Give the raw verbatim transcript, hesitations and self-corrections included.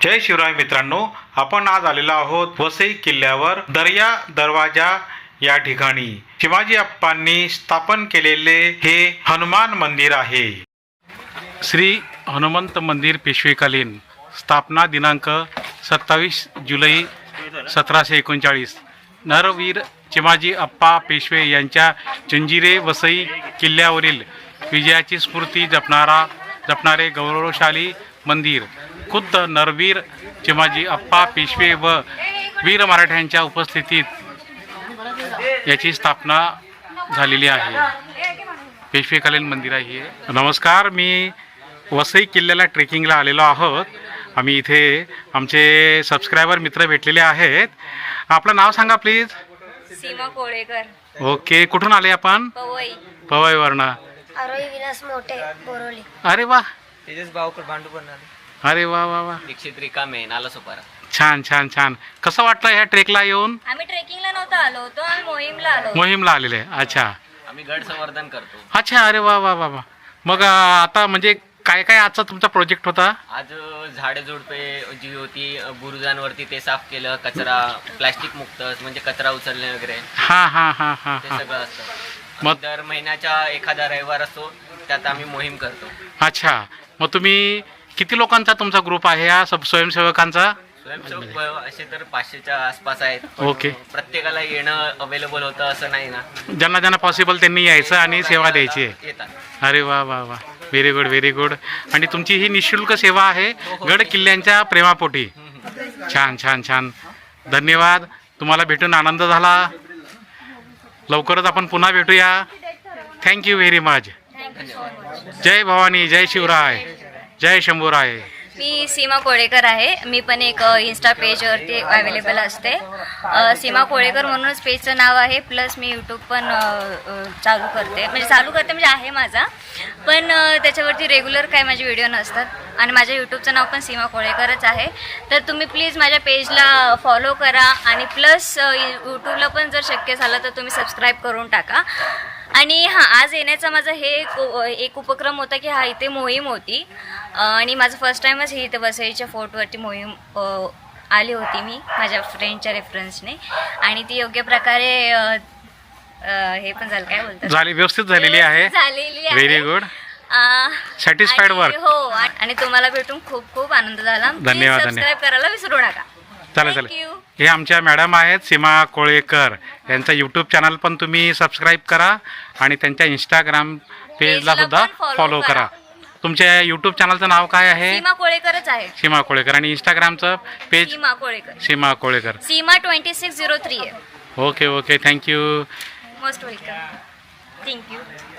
जय शिवराय मित्रांनो, आपण आज आलेलो आहोत वसई किल्ल्यावर दर्या दरवाजा या ठिकाणी शिवाजी अप्पांनी स्थापन केलेले हे हनुमान मंदिर आहे। श्री हनुमंत मंदिर पेशवेकालीन, स्थापना दिनांक सत्तावीस जुलै सतराशे एकोणचाळीस। नरवीर चिमाजी अप्पा पेशवे यांच्या जंजिरे वसई किल्ल्यावरील विजयाची स्फूर्ती जपणारा जपणारे गौरवशाली मंदिर खुद्द नरवीर चिमाजी अप्पा पेशवे व वीर मराठ्यांच्या उपस्थितीत याची स्थापना झालेली आहे। पेशवेकालीन मंदिर आहे। नमस्कार, मी वसई किल्ल्याला ट्रेकिंगला आलेलो आहोत। आम्ही इथे आमचे सबस्क्रायबर मित्र भेटलेले आहेत। आपलं नाव सांगा प्लीज। सीमा कोळेकर। ओके, कुठून आले आपण? पवई पवईवरनं। आरोही विलास मोठे बोरोली। अरे वा, तेजस भाऊकर भांडूपण अरे वा वा वा, दीक्षित रिकामे नाला सोपारा। छान छान छान। कसं वाटलं ह्या ट्रेकला येऊन? आम्ही ट्रेकिंगला नव्हतो आलो होतो, आम्ही मोहीमला आलो। मोहीमला आलेले? अच्छा आम्ही गड संवर्धन करतो। अच्छा, अरे वा वा वा वा। मग अं, आता म्हणजे काय काय आजचा तुमचा प्रोजेक्ट होता? आज झाडे झुडपे जी होती बुरुजांवरती ते साफ केलं, कचरा प्लास्टिक मुक्त म्हणजे कचरा उचलणे वगैरे हा हा हा हा ते हा सगळं असतं। मग- मग दर महिन्याच्या एखादा रविवार असतो, त्यात आम्ही मोहीम करतो। अच्छा, मग तुम्ही किती लोकांचा तुमचा ग्रुप आहे या सब स्वयंसेवकांचा? स्वयंसेवक असे तर पाचशेच्या आसपास आहेत, पण ओके. प्रत्येकाला येणं अवेलेबल होतं असं नाही ना, ज्यांना ज्यांना पॉसिबल त्यांनी यायचं आणि सेवा द्यायची आहे। येतात। अरे वा वा वा, व्हेरी गुड व्हेरी गुड। आणि तुमची ही निःशुल्क सेवा आहे गड किल्ल्यांच्या प्रेमापोटी। छान छान छान, धन्यवाद। तुम्हाला भेटून आनंद झाला। लवकरच आपण पुन्हा भेटूया। Thank you very much. जय भवानी, जय शिवराय, जय शंभूराय। मी सीमा कोळेकर आहे। मी पण एक इन्स्टा पेजवरती अवेलेबल असते। अ, सीमा कोळेकर म्हणूनच पेजचं नाव आहे। प्लस मी यूट्यूब पण अ, अ, चालू करते, म्हणजे चालू करते म्हणजे आहे माझा, पण अ, त्याच्यावरती रेग्युलर काय माझे व्हिडिओ नसतात। आणि माझ्या यूट्यूबचं नाव पण सीमा कोळेकरच आहे। तर तुम्ही प्लीज माझ्या पेजला फॉलो करा आणि प्लस यूट्यूबला पण जर शक्य झालं तर तुम्ही सबस्क्राईब करून टाका। आणि हां, आज येण्याचा माझा हे एक एक उपक्रम होता की हा इथे मोहीम होती आणि माझं फर्स्ट टाईमच ही इथे वसईच्या फोर्टवरती मोहीम अ, आली होती मी माझ्या फ्रेंडच्या रेफरन्सने, आणि ती योग्य प्रकारे अ, अ, हे पण झालं, काय बोलतात, झाली, व्यवस्थित झालेली आहे। झालेली आहे। व्हेरी गुड, अ, सॅटिस्फाईड आणि वर्क। हो, आणि तुम्हाला भेटून खूप खूप आनंद झाला। धन्यवाद, सबस्क्राईब करायला विसरू नका। चालेल Thank चालेल। you. हे आमच्या मॅडम आहेत सीमा कोळेकर, यांचा यूट्यूब चॅनल पण तुम्ही सबस्क्राईब करा आणि त्यांच्या इंस्टाग्राम पेजला पेजला सुद्धा पण follow फॉलो करा। करा। तुमच्या यूट्यूब चॅनलचं नाव काय आहे? सीमा कोळेकरच आहे। सीमा कोळेकर। आणि इंस्टाग्रामचं page? Seema Kolekar. Seema Kolekar. Seema twenty six zero three आहे। Okay okay, thank you. Most welcome. Thank you.